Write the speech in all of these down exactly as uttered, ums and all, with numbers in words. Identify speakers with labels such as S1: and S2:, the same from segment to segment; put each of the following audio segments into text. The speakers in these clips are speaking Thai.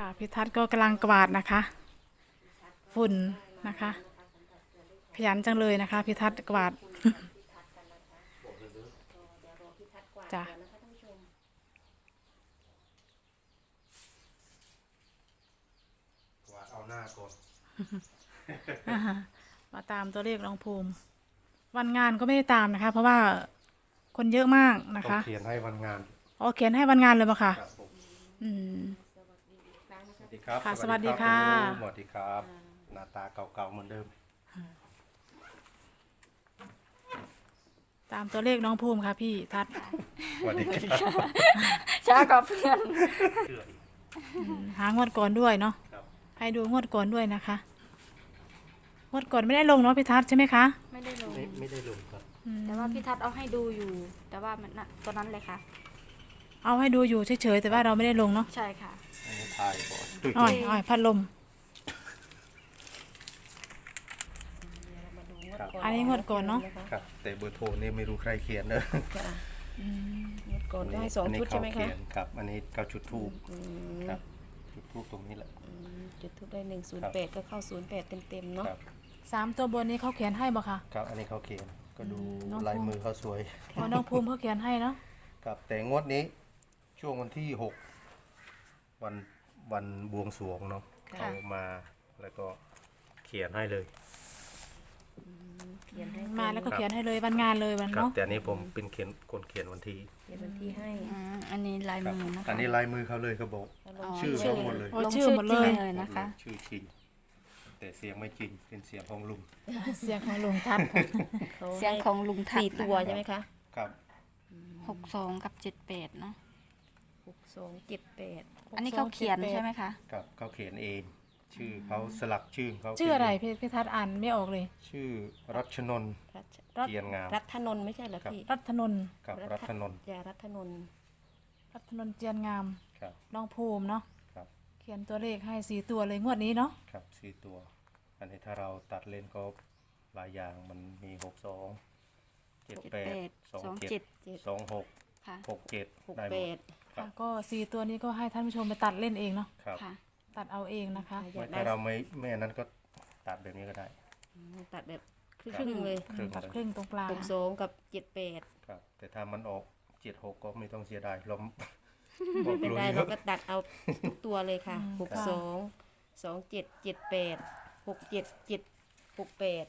S1: ค่ะพิทัศน์ก็กำลังกวาดนะคะ ฝุ่นนะคะ ขยันจังเลยนะคะพิทัศน์กวาดจ้ะ
S2: กวาดเอาหน้าก่อน
S1: มาตามตัวเลขน้องภูมิ วันงานก็ไม่ได้ตามนะคะ เพราะว่าคนเยอะมากนะ
S2: ต้อง
S1: คะ
S2: เขียนให้วันงาน
S1: อ๋อเขียนให้วันงานเลยปะคะ
S2: ครับผม
S1: อืม
S2: สวัสดีครับ
S1: ค่ะสวัสดีค่ะ
S2: สวัสดีครับหน้าตาเก่าๆเหมือนเดิม
S1: ตามตัวเลขน้องภูมิค่ะพี่ทัศน์
S2: สวัสดีครับ
S3: ช้ากว่าเพื่อน
S2: เชื่ออีก
S1: อืมหางวดก่อนด้วยเนาะ
S2: ครับ
S1: ให้ดูงวดก่อนด้วยนะคะงวดก่อนไม่ได้ลงเนาะพี่ทัศน์ใช่ไหมคะ
S3: ไม่ได้ลง
S2: ไม่ไม่ได้ลงครับ
S1: อืม
S3: แต่ว่าพี่ทัศน์เอาให้ดูอยู่ แต่ว่ามันน่ะตอนนั้นเลยค่ะ
S1: เอาให้ดูอยู่เฉยๆแต่ว่าเราไม่ได้ลงเนาะ
S3: ใช่ค่ะ
S2: อันนี้ทายก่อนตุ้ย
S1: อ้อยอ้อยพัดลม
S2: ครับ
S1: อันนี้งวดก่อนเนาะ
S2: ครับ แต่เบอร์โทรนี่ไม่รู้ใครเขียนเนอะ
S1: อืม
S4: ก่อนก็ให้สอง
S2: นนี้
S4: ชุดใช่ไหม
S2: เขา
S4: คะ
S2: เขียนครับ อันนี้เขาจุดทูบ
S4: อืม
S2: ครับจุดทูบตรงนี้แหละ
S4: อืมจุดทุกได้หนึ่งศูนย์แปดก็เข้าศูนย์แปดเต็มๆเนาะ
S2: ครับ
S1: สามตัวบนนี้เขาเขียนให้บ่คะ
S2: ครับอันนี้เขาเขียนก็ดู
S1: น้อง
S2: ลายมือเขาสวย
S1: เพราะน้องภูมิเขาเขียนให้เนาะ
S2: ครับแต่งวดนี้ช่วงวันที่หกวันวันบวงสรวงเนาะ
S4: ค่ะ
S2: เขามาแล้วก็เขียนให้เลย
S4: เขียนให้
S1: มาแล้วก็เขียนให้เลยวันงานเลยวัน
S2: ครับ
S1: เนาะ
S2: แต่อันนี้ผมเป็นเขียนคนเขียนวันที่
S4: เขียนวันที่ให้
S3: อืมอันนี้ลาย
S2: ครับ
S3: มือนะคะ
S2: อันนี้ลายมือเขาเลยเขาบอก
S4: แล้วล
S3: อ๋
S4: ง
S3: อ
S2: ชื่อเขาหมดเลย
S1: โอ้
S3: ลง
S1: ชื่อหมดเลย
S3: จริงเลยนะคะ
S2: ชื่อจริง แต่เสียงไม่จริงเป็นเสียงของลุง
S1: เสียงของลุงทัศน์
S4: เขา
S3: เสียงของลุงทัศ
S4: สี่
S3: น์
S4: ตัวใช่ไหมคะ
S2: ครับ
S3: หกสองกับเจ็ดแปดเนาะ
S4: หกสองเจ็ดแปด
S3: อันนี้เขาเขียนใช่ไหมคะ
S2: ครับเขาเขียนเอง ชื่อเขาสลักชื่อเขา
S1: ชื่ออะไรพี่พี่ทัศน์อ่านไม่ออกเลย
S2: ชื่อรัชนนท์
S4: รัช
S1: รัต
S2: เกียรติงาม
S4: รัฐนนท์ไม่ใช่เหรอพี่
S1: รัตนนท์
S2: ครับรัชนนท์
S4: ยารัฐนนท์
S1: รัตนนท์เจียนงาม
S2: ครับ
S1: น้องภูมิเนาะ
S2: ครับ
S1: เขียนตัวเลขให้สี่ตัวเลยงวดนี้เนาะ
S2: ครับสี่ตัว อันนี้ถ้าเราตัดเล่นก็หลายอย่างมันมีหกสองเจ็ดแปดสองเจ็ดสองหก
S3: ค่ะ
S2: หกเจ็ด
S4: หก
S2: ได้ห
S4: แป
S2: มด
S4: ด
S2: ครับ
S1: ก็สี่ตัวนี้ก็ให้ท่านผู้ชมไปตัดเล่นเองเนาะ
S2: ครับ
S3: ค่ะ
S1: ตัดเอาเองนะคะ
S4: อยากได้
S2: ถ้าเราไม่ไม่อันนั้นก็ตัดแบบนี้ก็ได้
S4: อืมตัดแบบครึ่งๆเลย
S2: ครึ่ง
S1: ตัด
S2: เลย
S1: ครึ่งตรงกลาง
S4: หกสองกับเจ็ดแปด
S2: ครับ แต่ถ้ามันออกเจ็ดหกก็ไม่ต้องเสียดายเรา
S4: ไม่เป็นไร
S2: บ
S4: เรา
S2: อก
S4: ก็ตัดเอาทุกตัวเลยค่ะหกสองสองเจ็ดเจ็ดแปดหกเจ็ดเจ็ดหกแปด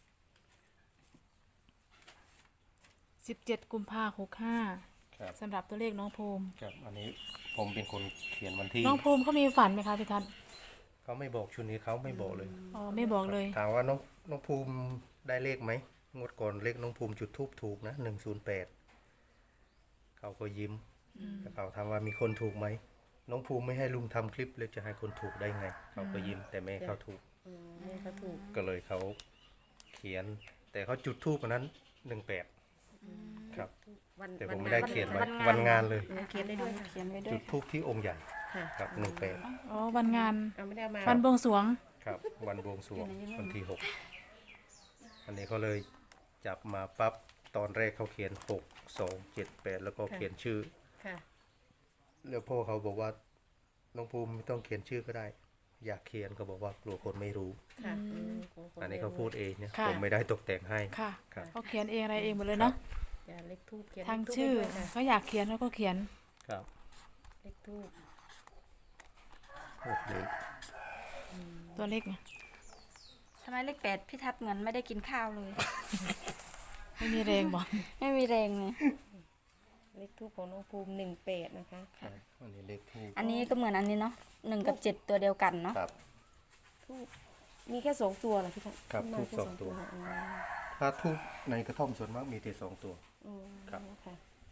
S1: สิบเจ็ดกุมภาหกห้า
S2: ครับ
S1: สำหรับตัวเลขน้องภูมิ
S2: ครับ อันนี้ผมเป็นคนเขียนวันที่
S1: น้องภูมิเขามีฝันไหมคะพี่ทัศน์
S2: เขาไม่บอกชุดนี้เขาไม่บอกเลย
S1: อ๋อไม่บอกเลย
S2: ถามว่าน้องน้องภูมิได้เลขไหมงวดก่อนเลขน้องภูมิจุดทูบถูกนะหนึ่งศูนย์แปดเขาก็ยิ้มแล้วเขาถามว่ามีคนถูกไหมน้องภูมิไม่ให้ลุงทำคลิปเลยจะให้คนถูกได้ไง เขาก็ยิ้มแต่แม่เขาถูก
S4: อืมแม่เขาถูก
S2: ก็เลยเขาเขียน แต่เขาจุดทูบอันนั้นหนึ่งแปดครับ
S4: วัน
S2: แต่ผ
S4: วั
S2: ม
S4: น
S2: ไม่
S4: งา
S2: ได้
S4: น
S2: เขียน
S4: วั
S2: ไว้
S4: น
S2: วันงานเลย
S4: เออเขียนได้ด้วยค่ะ
S3: เขียนไว้ด้ว
S2: จุ
S3: ย
S2: ดทูบที่องค์ใหญ่
S4: ค่ะ
S2: ครับหนึ่งแปด
S1: อ๋อวันงาน
S4: เอาไม่ได้เอามา
S1: วันบวงสรวง
S2: ครับวันบวงสรวงวันที่หกอันนี้เขาเลยจับมาปั๊บตอนแรกเขาเขียนหกสองเจ็ดแปดแล้วก็เขียนชื่อ
S4: ค่ะ
S2: แล้วพ่อเขาบอกว่าน้องภูมิไม่ต้องเขียนชื่อก็ได้ อยากเขียนก็บอกว่ากลัวคนไม่รู้
S4: ค่ะ
S1: อืม
S4: ขงค
S2: อันนี้เขาพูดเองเนี่ย
S1: ค่ะ
S2: ผมไม่ได้ตกแต่งให้
S1: ค่ะ
S2: ครับ
S1: เขาเขียนเองอะไรเองหมดเลยเนาะ
S4: อย่าเลขทูบเขียน
S1: ทาง
S4: เลขธูป
S1: ชื่อ
S4: ให้ด้วยค่ะ
S1: เขาอยากเขียนเขาก็เขียน
S2: ครับ
S4: เลขทูบ
S2: โอ้โห
S1: ตัวเลขไง
S3: ทำไมเลขแปดพี่ทัศน์เหมือนไม่ได้กินข้าวเลย
S1: ไม่มีแรงบอก
S3: ไม่มีแรงเลย
S4: เลขทูบของน้องภูมิหนึ่งแปดนะคะ
S2: ครับอันนี้เลขทูบ
S3: อันนี้ก็เหมือนอันนี้เนาะหนึ่งกับเจ็ดตัวเดียวกันเนาะ
S2: ครับ
S4: ทูบมีแค่สองตัวเหรอพี่ทัศน์
S2: ครับ
S4: ข้างหน้า
S2: ทูบ
S4: แค่
S2: สองตัว
S4: อ๋อ
S2: ถ้าทูบในกระท่อมส่วนมากมีแต่สองตัว
S4: อืม
S2: ครับ
S4: ค่ะ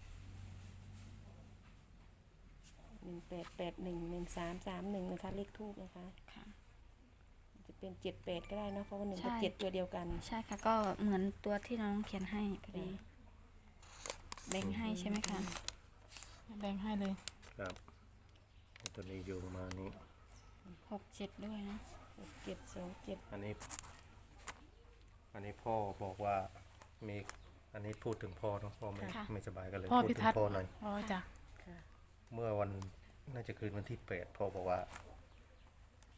S4: หนึ่งแปดแปดหนึ่งหนึ่งสามสามหนึ่งนะคะ เลขทูบนะคะ
S3: ค่ะ
S4: จะเป็นเจ็ดแปดก็ได้เนอะเพราะว่าหนึ่ง
S3: ใช่
S4: กับเจ็ดตัวเดียวกัน
S3: ใช่ค่ะก็เหมือนตัวที่น้องเขียนให้พอดีแบ่งให้ใช่ไหมคะ
S1: แบ่งให้เลย
S2: ครับตัวนี้โยงมานี้
S3: หกเจ็ดด้วยนะ
S4: หกเจ็ดสองเจ็ด
S2: อันนี้ อันนี้พ่อบอกว่ามีอันนี้พูดถึงพ่อเนอะพ่อไม่ไม่สบายกันเลย
S1: พ่อ
S2: พูด
S1: พิ
S2: ถึ
S1: ทัศ
S2: ง
S1: น์
S2: พ่อหน่อย
S1: อ๋อจ้ะ
S4: ค่ะ
S2: เมื่อวันน่าจะคืนวันที่แปดพ่อบอกว่า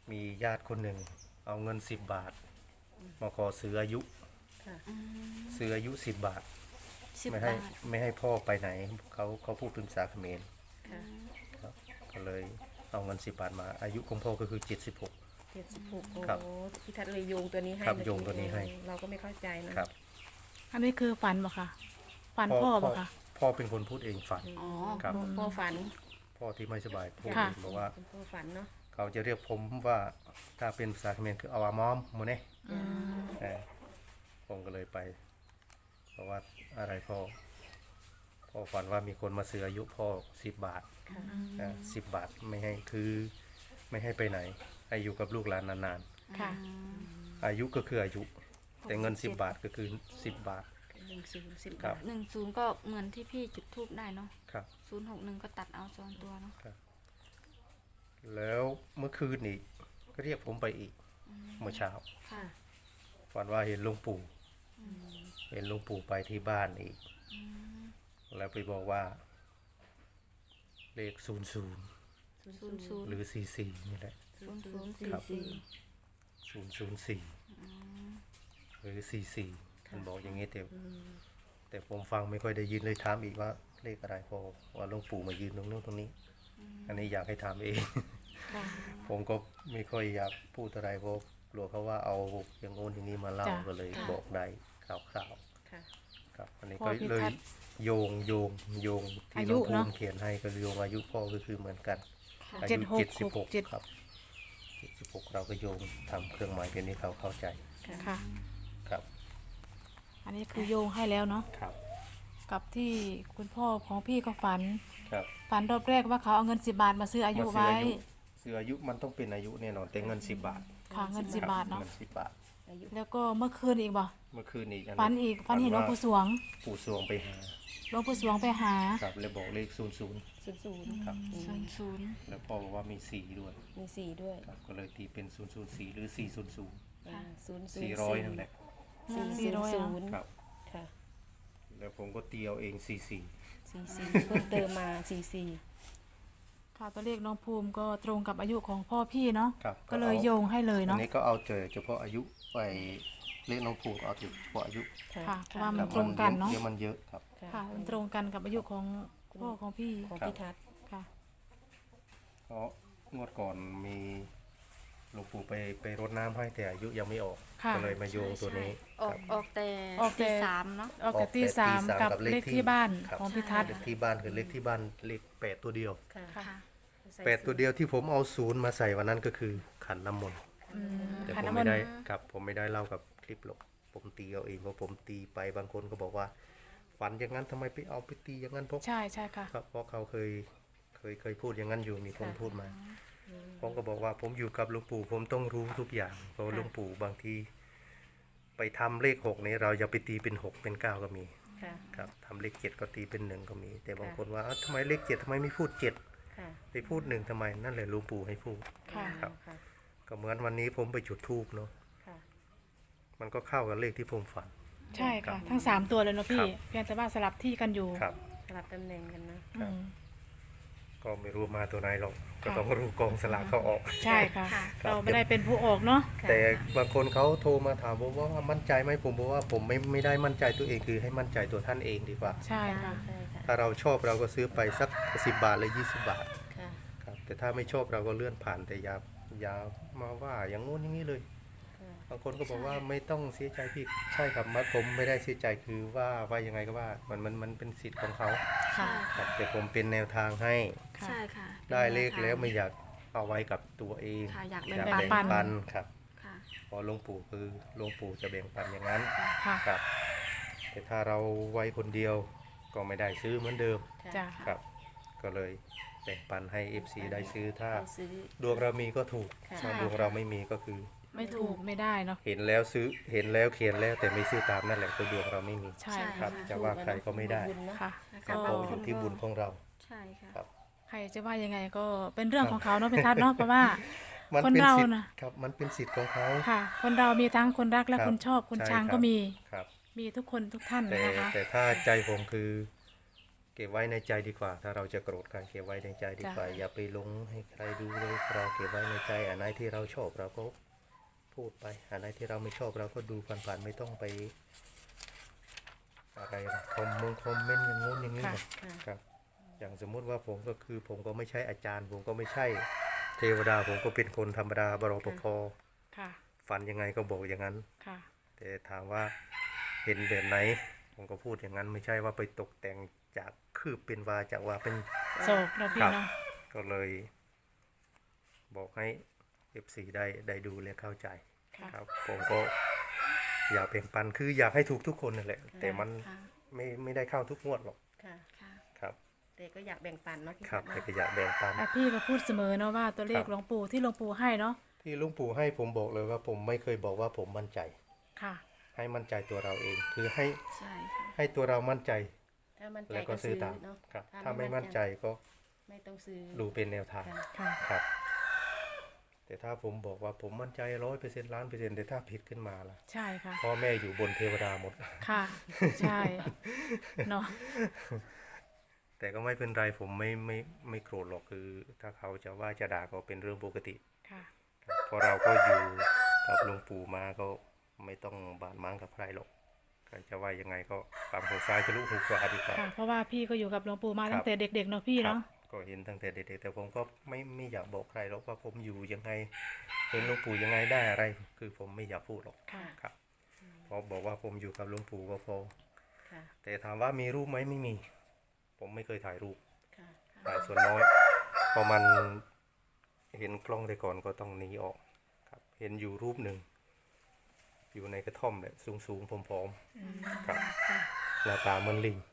S2: มีญาติคนหนึ่งเอาเงินสิบบาท มาขอซื้ออายุ
S4: ค่ะ
S2: ซื้ออายุสิบบาท
S3: สิบ
S2: ไม่ให้
S3: บาท
S2: ไม่ให้พ่อไปไหนเขาเขาพูดเป็นภาษาเขมร
S4: ค่ะ
S2: ครับก็เลยเอาเงินสิบบาทมาอายุของพ่อก็คือเจ็ดสิบหก
S4: เจ็ดสิบหกโอ้
S2: ครับ
S4: โหพี่ทัศน์เลยโยงตัวนี้ให้
S2: ครับ
S4: เมื่อ
S2: โยงตัวนี้ให้
S4: เราก็ไม่เข้าใจนะครับ
S1: อันนี้คือฝันบ่ค่ะฝันพ่อบ่ค่ะ
S2: พ่อเป็นคนพูดเองฝัน
S3: อ๋อ
S2: ครับ
S4: พ่อพ่อฝัน
S2: พ่อที่ไม่สบายพูด
S1: ค่ะ
S2: เองบอกว่า
S4: เป็นพ่อฝันเนาะ
S2: เขาจะเรียกผมว่าถ้าเป็นภาษาเขมรคือเอาอามอมโมเน่
S1: อืม
S2: เออผมก็เลยไปเพราะว่าอะไรพ่อพ่อฝันว่ามีคนมาซื้ออายุพ่อสิบบาท
S4: ค่ะ
S2: สิบบาทไม่ให้คือไม่ให้ไปไหนให้อยู่กับลูกหลานนาน
S1: ค่ะ
S2: ๆอายุก็คืออายุ แต่เงินสิบบาทก็คือสิบบาท
S4: หนึ่งศูนย์สิบ
S2: ครับ
S4: า
S2: บ
S4: ท
S3: หนึ่งศูนย์ก็เหมือนที่พี่จุดทูบได้เนาะ
S2: ครับ
S3: ศูนย์หกหนึ่งก็ตัดเอาสองตัวเนาะ
S2: แล้วเมื่อคืนอีกก็เรียกผมไปอีกเมื่อเช้า
S3: ค่ะ
S2: ฝันว่าเห็นหลวงปู่เห็นหลวงปู่ไปที่บ้านอีก แล้วไปบอกว่า เลขศูนย์ศูนย์
S3: ศูนย์ศูนย์
S2: หรือสี่สี่นี่แหละ
S3: ศูนย์ศูนย์สี่
S2: ครับ
S3: สี่
S2: ศูนย์ศูนย์สี่หรือสี่สี่มันบอกอย่างนี้แต่แต่ผมฟังไม่ค่อยได้ยินเลยถามอีกว่าเลขอะไรพอว่าหลวงปู่มายืนตรงนู้นตรงนี้ อันนี้อยากให้ถามเอง
S3: ค่ะ
S2: ผมก็ไม่ค่อยอยากพูดอะไรเพราะกลัวเขาว่าเอาอย่างโน้นอย่างนี้มาเล่า
S1: จ้ะ
S2: ก็เลยบอกได้ข่าวข่าว
S4: ค่ะ
S2: ๆครับอันนี้
S1: พ่
S2: ก็
S1: อพี่
S2: เลย
S1: ทัศน์
S2: โยงโยงโยงที่
S1: อา
S2: หล
S1: ยุ
S2: วงปู่
S1: เนอะ
S2: เขียนให้ก็โยงอายุพ่อก็คือเหมือนกัน
S3: ค่ะ
S2: อา
S1: เจ็
S2: ยุ
S1: ดหก
S2: เจ็ดสิบหก
S1: เจ็ด
S2: ครับเจ็ดสิบหกเราก็โยงทำเครื่องหมายเป็นนี้เขาเข้าใจ
S1: ค่ะ
S2: ครับ
S1: อันนี้คือโยงให้แล้วเนาะ
S2: ครับ
S1: กับที่คุณพ่อของพี่ก็ฝัน
S2: ครับ
S1: ฝันรอบแรกว่าเขาเอาเงินสิบบาทมาซื้ออายุ
S2: มาซื้อ
S1: ไว้
S2: อายุซื้ออายุมันต้องเป็นอายุแน่นอนแต่เงินสิบบาท
S1: ค่ะเงินสิบบาทเนาะ
S2: เงินสิบบาท
S4: อายุ
S1: แล้วก็เมื่อคืนอีกบ่
S2: เมื่อคืนอีก
S1: ฝันอีกฝันเห็นหลวงปู่สวง
S2: ปู่สวงไปหา
S1: หลวงปู่สวงไปหา
S2: ครับเลยบอกเลขศูนย์ศูนย์
S4: ศูนย์ศูนย์
S2: ครับ
S3: ศูนย์ศูนย์
S2: แล้วพ่อบอกว่ามีสี่ด้วย
S4: มีสี่ด้วย
S2: ครับก็เลยตีเป็นศูนย์ศูนย์สี่หรือสี่ศูนย์ศูนย์
S4: ศูนย์ศูน
S2: สี่
S4: ย์
S2: ร้อยนั่นแหละ
S4: สี่
S1: สี่
S4: ศูน
S1: ร้อย
S4: ย์
S1: เหรอ
S4: ศูนย์
S2: ครับ
S4: ค่ะ
S2: แล้วผมก็ตีเอาเองสี่สี่
S4: สี่สี่เพิ่มเติมมาสี่สี่
S1: ค่ะตัวเลขน้องภูมิก็ตรงกับอายุของพ่อพี่เนาะ
S2: ครับ
S1: ก็เลยโยงให้เลย
S2: อัน
S1: เนาะ
S2: นี้ก็เอาเจอเฉพาะอายุไปเลขน้องผูกเอาเฉพาะอายุ
S1: ค่ะเพราะว่า
S2: ค
S1: มั
S2: รั
S1: น
S2: บ
S1: ตรงกันเนาะ
S2: เยอะมันเยอะครับ
S1: ค่ะมันตรงกันกับอายุของพ่อของพี่
S4: ของ
S2: ครับ
S4: พี่ทัศน์
S1: ค่ะ
S2: เพราะงวดก่อนมีหลวงปู่ไปไปรดน้ำให้แต่อายุยังไม่ออก
S1: ค่ะ
S2: ก็เลยมาโยงตัวนี้
S3: ออกออกแต่
S1: ออกแต่
S3: ตีสามเนาะ
S1: ออกจากตีสาม
S2: ออกแต่ตีสาม
S1: กับ
S2: กับเล
S1: เล
S2: ข
S1: ข
S2: ที่
S1: ที่บ้าน
S2: ครับ
S1: ของพิทัศน์
S2: เลขที่บ้านคือเลขที่บ้านเลขแปดตัวเดียว
S4: ค่ะ
S1: ค่ะ
S4: ใส่
S2: แปดตัวเดียวที่ผมเอาศูนย์มาใส่วันนั้นก็คือขันน้ำมนต์
S1: อืม
S2: แต่
S1: ขัน
S2: ผม
S1: น้ำม
S2: ไม่
S1: นต์
S2: ได้ครับผมไม่ได้เล่ากับคลิปหรอกผมตีเอาเองเพราะผมตีไปบางคนก็บอกว่า ฝันอย่างนั้นทำไมไปเอาไปตีอย่างนั้นเพราะ
S1: ใช่ใช่ค่ะ
S2: ครับเพราะเขาเคยเคยเคยพูดอย่างนั้นอยู่มีคนพูดมาผมก็บอกว่าผมอยู่กับหลวงปู่ผมต้องรู้ทุกอย่างเพราะหลวงปู่บางทีไปทำเลขหกนี้เราอย่าไปตีเป็นหกเป็นเก้าก็มี
S4: ค่ะ
S2: ครับทำเลขเจ็ดก็ตีเป็นหนึ่งก็มี แต่บาง
S4: ค่ะ
S2: คนว่าเอ้าทำไมเลขเจ็ดทำไมไม่พูดเจ็ด
S4: ค่ะ
S2: ไปพูดหนึ่งทำไมนั่นแหละหลวงปู่ให้พูด
S1: ค่ะ
S2: ครับ
S4: ค่ะ
S2: ก็เหมือนวันนี้ผมไปจุดธูปเนาะ
S4: ค่ะ
S2: มันก็เข้ากับเลขที่ผมฝัน
S1: ใช่
S2: ครั
S1: ค่ะ
S2: บ
S1: ทั้งสามตัวเลยเนาะ
S2: ครั
S1: พี่
S2: บ
S1: เพียงแต่ว่าสลับที่กันอยู่
S2: ครับ
S4: สลับตำแหน่งกันนะ
S1: อืม
S2: ก็ไม่รู้มาตัวไหนหรอกก็
S1: ค่ะ
S2: ต้องรู้กองสลากเขาออก
S1: ใช่ค่ะ
S3: ค่ะ
S2: ครับ
S1: เราไม่ได้เป็นผู้ออกเนาะ
S4: ค่ะ
S2: แต่บางคนเขาโทรมาถามผมว่ามั่นใจไหมผมบอกว่าผมไม่ไม่ได้มั่นใจตัวเองคือให้มั่นใจตัวท่านเองดีกว่า
S1: ใช่ค่ะ
S4: ใช่ค่ะ
S2: ถ้าเราชอบเราก็ซื้อไปสักสิบบาทหรือยี่สิบบาท
S4: ค่ะ
S2: ครับแต่ถ้าไม่ชอบเราก็เลื่อนผ่านแต่อย่าอย่ามาว่าอย่างงู้นอย่างนี้เลย
S4: ค่ะ
S2: บางคนก็บอกว่าไม่ต้องเสียใจพี่ใช่ครับมัดผมไม่ได้เสียใจคือว่าว่ายังไงก็ว่ามันมันมันเป็นสิทธิ์ของเขา
S1: ค่ะ
S2: ครับแต่ผมเป็นแนวทางให้
S1: ค่ะ
S3: ใช่ค่ะ
S2: ได้เลขแล้วไม่อยากเอาไว้กับตัวเอง
S3: ค่ะอยาก
S2: อ
S3: แบ่ง
S2: ยาก
S3: ปัน
S2: แบ่ง
S1: ปัน
S2: ปันครับ
S3: ค่ะ
S2: เพอหลวงปู่คือหลวงปู่จะแบ่งปันอย่างนั้น
S1: ค่ะ
S2: ครับแต่ถ้าเราไว้คนเดียวก็ไม่ได้ซื้อเหมือนเดิม
S1: จ้ะ
S2: ครับ ก็เลยแบ่งปันให้ เอฟ ซี ได้ซื้อถ้า
S4: ไปซื้อ
S2: ดวงเรามีก็ถูก
S4: ค่ะ
S2: ถ้าดวงเราไม่มีก็คือ
S1: ไม่ถูกไม่ได้เนาะ
S2: เห็นแล้วซื้อเห็นแล้วเขียนแล้วแต่ไม่ซื้อตามนั่นแหละคือดวงเราไม่มี
S1: ใช่
S3: ใช่
S2: ครับ
S3: ค่ะ
S2: จะว่าใครก็ไม่ได้
S4: บุญเนอะ
S1: ค่ะ
S2: ครับ
S1: ก็
S2: เพราะอยู่ที่บุญของเรา
S3: ใช่ค่ะ
S2: ครับ
S1: ใครจะว่ายังไงก็เป็นเรื่องของเขาเนาะพิทัศน์เนาะเพราะว่า
S2: มัน
S1: คน
S2: เป็น
S1: เรา
S2: สิทธิ์
S1: น่ะ
S2: ครับมันเป็นสิทธิ์ของเขา
S1: ค่ะ คนเรามีทั้งคนรักและ
S2: ครับ
S1: คนชอบคน
S2: ใช่
S1: ชัง
S2: ครับ
S1: ก็มี
S2: ครับ
S1: มีทุกคนทุกท่าน
S2: แต่
S1: นะคะ
S2: แต่ถ้าใจผมคือเก็บไว้ในใจดีกว่า ถ้าเราจะโกรธกันเก็บไว้ในใจดีกว่า อย่าไปลงให้ใครดูเลยเราเก็บไว้ในใจอันไหนที่เราชอบเราก็พูดไปอันไหนที่เราไม่ชอบเราก็ดูผ่านๆไม่ต้องไปอะไรนะคอมมงคอมเมนต์อย่างงู้นอย่างนี้
S1: ค่ะ
S2: หรอกครับ อย่างสมมุติว่าผมก็คือผมก็ไม่ใช่อาจารย์ ผมก็ไม่ใช่เทวดา ผมก็เป็นคนธรรมดาบรปภ
S1: ค่ะ
S2: ฝันยังไงก็บอกอย่างนั้น
S1: ค่ะ
S2: แต่ถามว่าเห็นแบบไหน ผมก็พูดอย่างนั้น ไม่ใช่ว่าไปตกแต่งจากคืบเป็นวาจากว่าเป็น
S1: โศกเนาะพี่
S2: ครับ
S1: เนาะ
S2: ก็เลย บอกให้ เอฟ ซี ได้ได้ดูและเข้าใจ
S1: ค่ะ
S2: ครับ ผมก็อยากแบ่งปันคืออยากให้ถูกทุกคนนั่นแหละ แต่มัน
S3: ค่ะ
S2: ไม่ไม่ได้เข้าทุกงวดหรอก
S4: ค่ะ
S3: ค่ะ
S2: ครับ
S4: แต่ก็อยากแบ่งปันเนาะพี่
S2: ครับ
S4: พัด
S2: แต่
S4: เนาะ
S2: ก็อยากแบ่งปัน
S1: แต่พี่ก็พูดเสมอเนาะว่าตัวเลข
S2: ครับ
S1: หลวงปู่ที่หลวงปู่ให้เนาะ
S2: ที่หลุงปู่ให้ผมบอกเลยว่าผมไม่เคยบอกว่าผมมั่นใจ
S1: ค่ะ
S2: ให้มั่นใจตัวเราเอง คือให้
S3: ใช่ค่ะ
S2: ให้ตัวเรามั่นใจ
S4: ถ้ามั่นใจ
S2: แล้วก็
S4: ก็
S2: ซื้
S4: ซื้
S2: อ
S4: อ
S2: ตาม
S4: เนาะ
S2: ครับ ถ้าไม่มั่นใจก็
S4: ไม่ต้องซื้อ
S2: ดูเป็นแนวทาง
S4: ค่ะ
S1: ค่ะ
S2: ครับ แต่ถ้าผมบอกว่าผมมั่นใจร้อยเปอร์เซ็นต์ล้านเปอร์เซ็นต์แต่ถ้าผิดขึ้นมาล่ะ
S1: ใช่ค่ะ
S2: พ่อแม่อยู่บนเทวดาหมด
S1: ค่ะ ใช่ เนาะ
S2: แต่ก็ไม่เป็นไรผมไม่ไม่ไม่โกรธหรอกคือ ถ้าเขาจะว่าจะด่าก็เป็นเรื่องปกติ
S1: ค่ะ
S2: ครับเพราะเราก็อยู่กับหลวงปู่มาก็ไม่ต้องบาดหมางกับใครหรอกใครจะว่ายังไงก็ฟังหูซ้ายทะลุหูขวาดีกว่า
S1: ค่ะ เพราะว่าพี่ก็อยู่กับหลวงปู่มา
S2: ครับ
S1: ตั้งแต่เด็กๆเนาะพี่
S2: ครับ
S1: เนาะ
S2: ก็เห็นตั้งแต่เด็กๆแต่ผมก็ไม่ไม่อยากบอกใครหรอกว่าผมอยู่ยังไงเห็นหลวงปู่ยังไงได้อะไร คือผมไม่อยากพูดหรอก
S1: ค่ะ
S2: ครับเพราะบอกว่าผมอยู่กับหลวงปู่ก็พอ
S4: ค่ะ
S2: แต่ถามว่ามีรูปไหมไม่มี ผมไม่เคยถ่ายรูป
S4: ค่ะ
S2: ถ่ายส่วนน้อยพอมันเห็นกล้องแต่ก่อนก็ต้องหนีออกครับ เห็นอยู่รูปหนึ่งอยู่ในกระท่อมแบบสูงๆผอมๆครับหน้าตาเหมือนลิง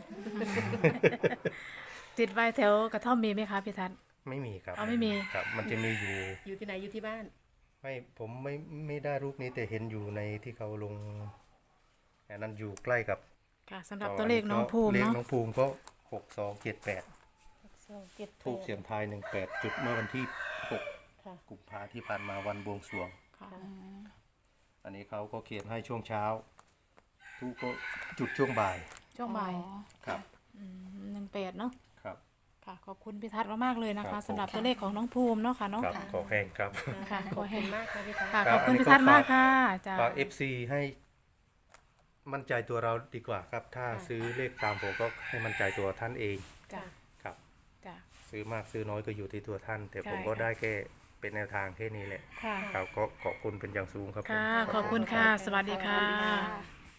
S1: ติดไว้แถวกระท่อมมีไหมคะพี่ทัศน์
S2: ไม่มีครับ
S1: อ๋อไม่มี
S2: ครับ มันจะมีอยู่
S4: อยู่ที่ไหนอยู่ที่บ้าน
S2: ไม่ผมไม่ไม่ได้รูปนี้แต่เห็นอยู่ในที่เขาลงอันนั้นอยู่ใกล้กับ
S1: ค่ะสำหรับตัวเลขน้องภูมิ
S2: เลข
S1: เนาะ
S2: น้องภูมิก็หกสองเจ็ดแปด
S4: สองเจ็ด
S2: ทูบเสียงทายหนึ่งแปดจุดเมื่อวันที่หก
S4: ค่ะ
S2: กุมภาที่ผ่านมาวันบวงสรวง
S1: ค่ะ
S2: อันนี้เขาก็เขียนให้ช่วงเช้าทูบก็จุดช่วงบ่าย
S1: ช่วงบ่าย
S2: ครับ
S1: หนึ่งแปดเนาะ
S2: ครับ
S1: ค่ะ ขอบคุณพี่ทัศน์มากๆเลยนะ
S2: ครั
S1: คะ
S2: บ
S1: สำหรับตัวเลขของน้องภูมิเนาะค่ะเนาะ
S2: ครับขอแห้งครับ
S1: ค่ะ
S4: ขอบคุณมากค่ะพี่พัด
S1: ค่ะ
S2: ค
S1: ข
S2: รับ
S1: อบคุณ
S2: อันนี้
S1: พี่ทัศน์
S2: ก็ฝาก
S1: มากค่ะจ้า
S2: ฝาก เอฟ ซี ให้มั่นใจตัวเราดีกว่าครับ ถ้าซื้อเลขตามผมก็ให้มั่นใจตัวท่านเอง
S1: จ้า
S2: ครับ
S1: จ้า
S2: ซื้อมากซื้อน้อยก็อยู่ที่ตัวท่าน แต่
S1: ใช่
S2: ผมก็
S1: ค่ะ
S2: ได้แค่เป็นแนวทางแค่นี้แหละ
S1: ค่ะ
S2: ครับก็ขอบคุณเป็นอย่างสูงครับผม
S1: ค่ะ ขอบคุณค่ะ สวัสดีค่ะ
S3: ค่ะ